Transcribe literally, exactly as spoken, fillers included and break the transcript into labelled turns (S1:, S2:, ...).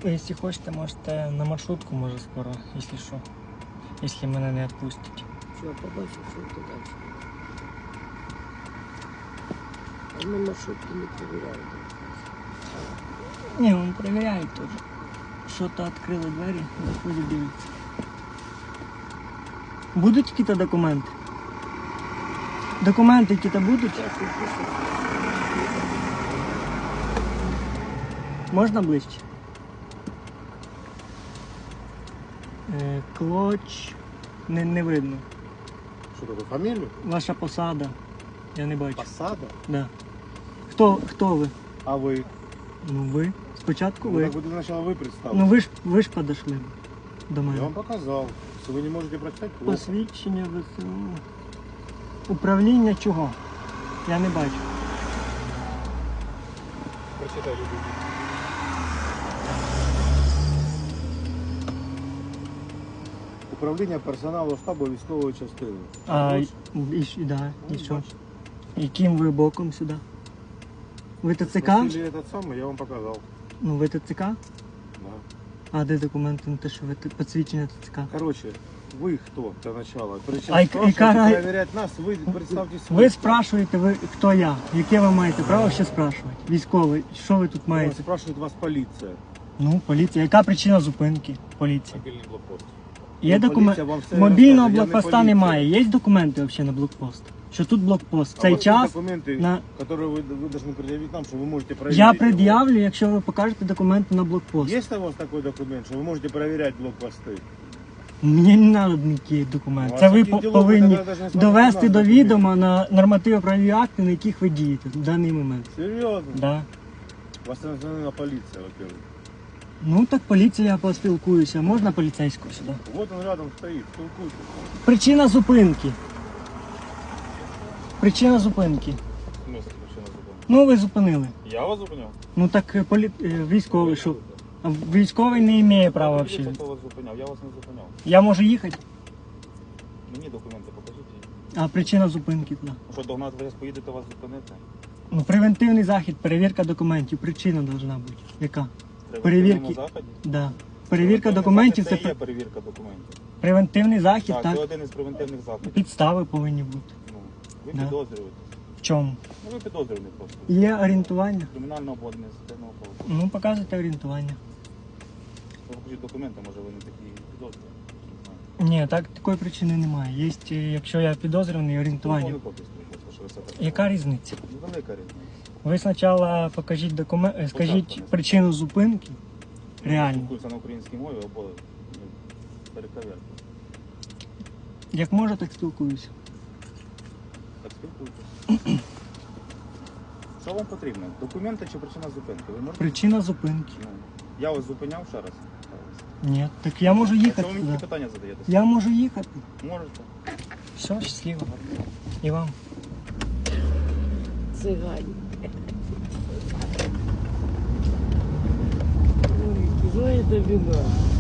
S1: Якщо хочете, можете на маршрутку, може скоро, якщо що. Якщо мене не відпустять.
S2: Що, побачив, що ти далі. А ми маршрутки не перевіряємо.
S1: Ні, він перевіряє теж. Що-то відкрили двері, заходять, дивляться. Будуть якісь документи? Документи якісь будуть? Можна ближче? Е, Клоч не, не видно.
S3: Що таке, фамілію?
S1: Ваша посада. Я не бачу.
S3: Посада?
S1: Да. Хто, хто ви?
S3: А ви?
S1: Ну ви. Спочатку
S3: Ну,
S1: ви.
S3: так ви спочатку ви представили.
S1: Ну ви ж ви ж подошли до
S3: Я
S1: мене.
S3: вам показав. Якщо ви не можете прочитати, плохо.
S1: Посвідчення ВСУ. Управління чого? Я не бачу.
S3: Прочитай, люди. Управління персоналу штабу військової частини.
S1: А,
S3: Ось.
S1: і, і, і, да, і
S3: Ну,
S1: що?
S3: бачите.
S1: Яким ви боком сюди? Ви ТЦК?
S3: Просили этот самый, я вам показав.
S1: Ну ви ТЦК?
S3: Да.
S1: А де документи на те, що ви т- посвідчення ТЦК?
S3: Короче, вы кто для начала? Причем
S1: А и- и
S3: спрашиваете,
S1: кара-
S3: проверять нас, вы представьтесь.
S1: Ви спрашуєте, ви хто я? Яке ви маєте право ще спрашувати? Військовий, що ви тут маєте?
S3: Спрашивает вас полиция.
S1: Ну, поліція. Яка причина зупинки? Поліція.
S3: Мобильный блокпост.
S1: Є
S3: Ну,
S1: документи.
S3: поліція вам все
S1: Мобільного
S3: розкаже, я не
S1: блокпоста
S3: поліція.
S1: немає. Є документи взагалі на блокпост? Що тут блокпост? В
S3: А
S1: цей
S3: у вас
S1: час
S3: есть документы,
S1: на...
S3: которые вы, вы должны предъявить нам, что вы можете проверить.
S1: я
S3: его?
S1: пред'явлю, якщо ви покажете документи на блокпост.
S3: Есть у вас такой документ, что вы можете проверять блокпосты?
S1: Мені не треба ніякі документи.
S3: Ну, а
S1: Це ви
S3: таких
S1: по-
S3: ділов ви
S1: повинні
S3: тоді навіть не
S1: довести
S3: смотрите
S1: до
S3: на
S1: відома на нормативно-правові акти, на яких ви дієте в даний момент.
S3: Серьезно?
S1: Да.
S3: Вас национальная полиция, во-первых.
S1: Ну так поліція, я поспілкуюся. Можна поліцейського сюди?
S3: Вот он рядом стоит, толкуйте.
S1: Причина зупинки. Причина зупинки.
S4: В смысле причина зупинки?
S1: Ну ви зупинили.
S4: Я вас зупиняв?
S1: Ну так е, полі... е, військовий, що? А військовий не має права
S4: Покажіть,
S1: взагалі.
S4: хто вас зупиняв. Я вас не зупиняв.
S1: Я можу їхати,
S4: Мені документи покажіть.
S1: а причина зупинки туди.
S4: Ну що, догнати вас поїдете вас зупинити?
S1: Ну превентивний захід, перевірка документів. Причина повинна бути. Яка?
S4: При
S1: Перевірки.
S4: превентивному заході?
S1: Да. Перевірка
S4: Превентивний
S1: документів
S4: захід
S1: це
S4: це є
S1: пр-
S4: перевірка документів.
S1: превентивний захід,
S4: Так,
S1: так?
S4: це один із превентивних заходів.
S1: Підстави повинні бути.
S4: Ну, ви
S1: Да.
S4: підозрюєтесь.
S1: В чому?
S4: Ну ви підозрюєте просто.
S1: Є орієнтування?
S4: Кримінального або адміністративного правопорушення.
S1: Ну показуйте орієнтування.
S4: Ви покажіть документи, може ви не такі підозрюєте.
S1: Ні, так такої причини немає. Є, е, якщо я підозрюваний, орієнтування.
S4: Ну, копії скажіть, що ви все так
S1: Яка
S4: сказали.
S1: різниця?
S4: Ну, велика різниця.
S1: Ви спочатку покажіть документ, скажіть
S4: Спочатку.
S1: причину зупинки. Реально.
S4: Спілкуються на українській мові або ну, перековерти.
S1: Як можу, так спілкуюся.
S4: Так спілкуйтесь. Що вам потрібно? Документи чи причина зупинки? Ви можете?
S1: Причина зупинки.
S4: Ну, я вас зупиняв ще раз.
S1: Ні, так я можу їхати
S4: Що ви мені
S1: туди.
S4: такі питання задаєте?
S1: Я можу їхати.
S4: Можете.
S1: Все, щасливо. І вам.
S2: Цигані. Ой, знаєте, вина.